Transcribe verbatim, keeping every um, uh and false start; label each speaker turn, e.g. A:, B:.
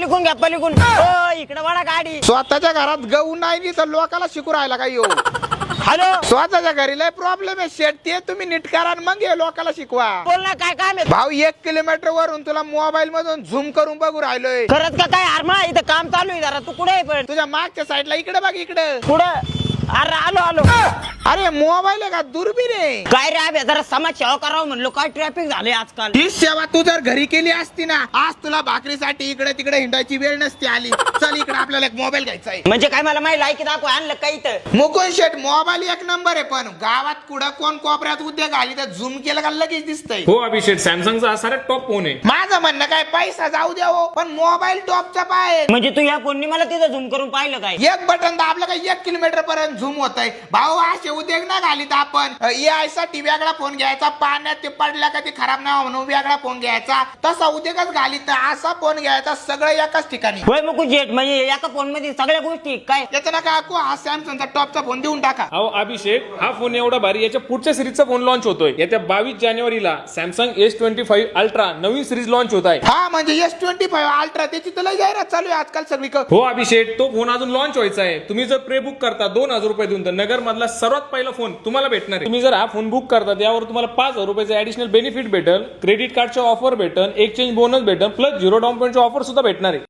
A: पलीकडून घ्या पलीकडून हो इकडे बडा गाडी
B: स्वतःच्या घरात गहू नाही तर लोकाला शिकू राहिला काय येऊ
A: हॅलो
B: स्वतःच्या घरी लय प्रॉब्लेम आहे शेट ते तुम्ही नीट करा आणि मग हे लोकाला शिकवा
A: बोल ना काय काम आहे
B: भाऊ एक किलोमीटर वरून तुला मोबाईल मधून झूम करून बघू राहिलोय
A: खरंच का काय आरमा इथं काम चालू आहे जरा तू कुठे आहे पण
B: तुझ्या मागच्या साईडला इकडे बघ इकडे
A: कुठं अरे आलो आलो
B: अरे मोबाईल आहे का दुर्बीण आहे
A: काय रे आबे जरा समाज सेवा करावं म्हणलो काय ट्रॅफिक झाले आजकाल
B: ही सेवा तू जर घरी केली असती ना आज तुला भाकरीसाठी इकडे तिकडे हिंडायची वेळ नसती आली चल इकडे आपल्याला एक मोबाईल घ्यायचा आहे
A: म्हणजे काय मला माहिती लायकी दाखव आणलं काही तर
B: मुकुंद शेट मोबाईल एक नंबर आहे पण गावात कुठं कोण कोपऱ्यात उद्योग आली तर झूम केलं का लगेच दिसतंय
C: हो अभिषेक सॅमसंगचा हा सारा टॉप फोन आहे.
B: माझं म्हणणं काय पैसा जाऊ द्यावो पण मोबाईल टॉपचा पाय
A: म्हणजे तू या फोननी मला तिथं झूम करून पाहिलं काय
B: एक बटन दाबलं का एक किलोमीटर पर्यंत झूम होत आहे भाऊ असे उद्योग ना घालीत आपण ए आय साठी वेगळा फोन घ्यायचा पाण्यात ते पडला का ते खराब नाही म्हणून वेगळा फोन घ्यायचा तसा उद्योगच घालीत असा फोन घ्यायचा सगळं एकाच ठिकाणी
A: होय मग जेट म्हणजे एका फोन मध्ये सगळ्या गोष्टी काय
B: त्याचं नका ऐकू हा सॅमसंगचा टॉपचा फोन देऊन टाका
C: अहो अभिषेक हा फोन एवढा भारी याच्या पुढच्या सिरीजचा फोन लॉन्च होतोय येत्या बावीस जानेवारीला Samsung S twenty five ultra नवीन सिरीज लॉन्च होत आहे.
B: हा म्हणजे एस ट्वेंटी फाईव्ह अल्ट्रा त्याची तर लय जाहिरात चालू आहे आजकाल सगळी
C: हो अभिषेक तो फोन अजून लॉन्च व्हायचा आहे. तुम्ही जर प्रे बुक करता दोन हजार रुपये देऊन तर नगर मधला सर्वात पहिला फोन तुम्हाला भेटणार आहे. तुम्ही जर हा फोन बुक करता त्यावर तुम्हाला पाच हजार रुपयाचे ऍडिशनल बेनिफिट भेटेल, क्रेडिट कार्डचे ऑफर भेटेल, एक्सचेंज बोनस भेटेल प्लस झिरो डाऊन पेमेंटचे ऑफर सुद्धा भेटणार आहे.